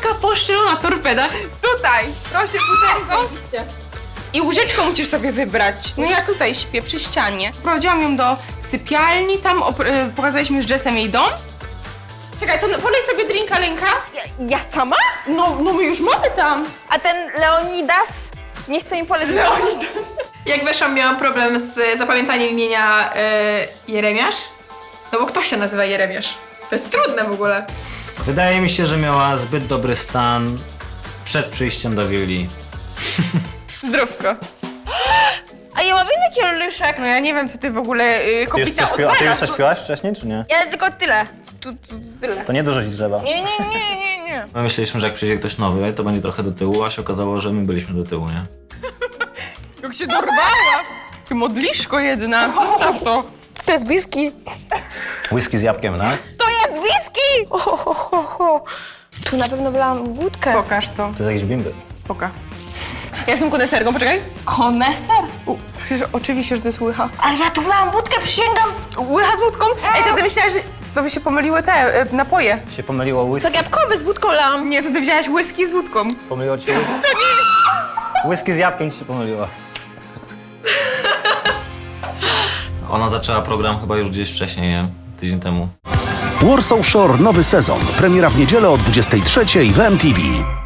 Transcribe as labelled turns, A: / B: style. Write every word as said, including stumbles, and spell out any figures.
A: Taka poszczelona torpeda. Tutaj, proszę, butelko. I łóżeczko musisz sobie wybrać. No ja tutaj śpię, przy ścianie. Prowadziłam ją do sypialni, tam e, pokazaliśmy z Jessem jej dom. Czekaj, to polej sobie drinka, Lenka.
B: Ja, ja sama?
A: No, no my już mamy tam.
B: A ten Leonidas nie chce mi polecić.
A: Leonidas.
C: Jak weszłam, miałam problem z zapamiętaniem imienia e, Jeremiasz. No bo kto się nazywa Jeremiasz? To jest trudne w ogóle.
D: Wydaje mi się, że miała zbyt dobry stan przed przyjściem do willi.
A: Zdrówko.
B: A ja mam inny kieluszek.
A: No ja nie wiem, co ty w ogóle y,
E: Ty już
A: kopita
E: coś piła, a ty już
A: odwalasz.
E: coś piłaś wcześniej, czy nie?
B: Ja tylko tyle. Tu, tu, tyle.
E: To nie dużo ci trzeba.
B: Nie, nie, nie, nie, nie.
D: My myśleliśmy, że jak przyjdzie ktoś nowy, to będzie trochę do tyłu, a się okazało, że my byliśmy do tyłu, nie?
A: Jak się dorwała. Ty modliszko jedna, przestaw to.
B: To jest whisky.
E: Whisky z jabłkiem, tak?
B: To jest whisky! Oh, oh, oh, oh. Tu na pewno wylałam wódkę.
A: Pokaż to.
E: To jest jakiś bimby.
A: Poka. Ja jestem koneserką, poczekaj.
B: Koneser?
A: U, przecież oczywiście, że to jest łycha.
B: Ale ja tu wylałam wódkę, przysięgam.
A: Łycha z wódką? Ej, to ty myślałaś, że to by się pomyliły te y, napoje.
E: Się pomyliło whisky.
B: Sok jabłkowy z wódką lałam.
A: Nie, to ty wzięłaś whisky z wódką.
E: Pomyliło ci? To nie! Whisky z jabłkiem ci się pomyliło.
D: Ona zaczęła program chyba już gdzieś wcześniej, nie? Tydzień temu.
F: Warsaw Shore nowy sezon. Premiera w niedzielę o dwudziestej trzeciej w M T V.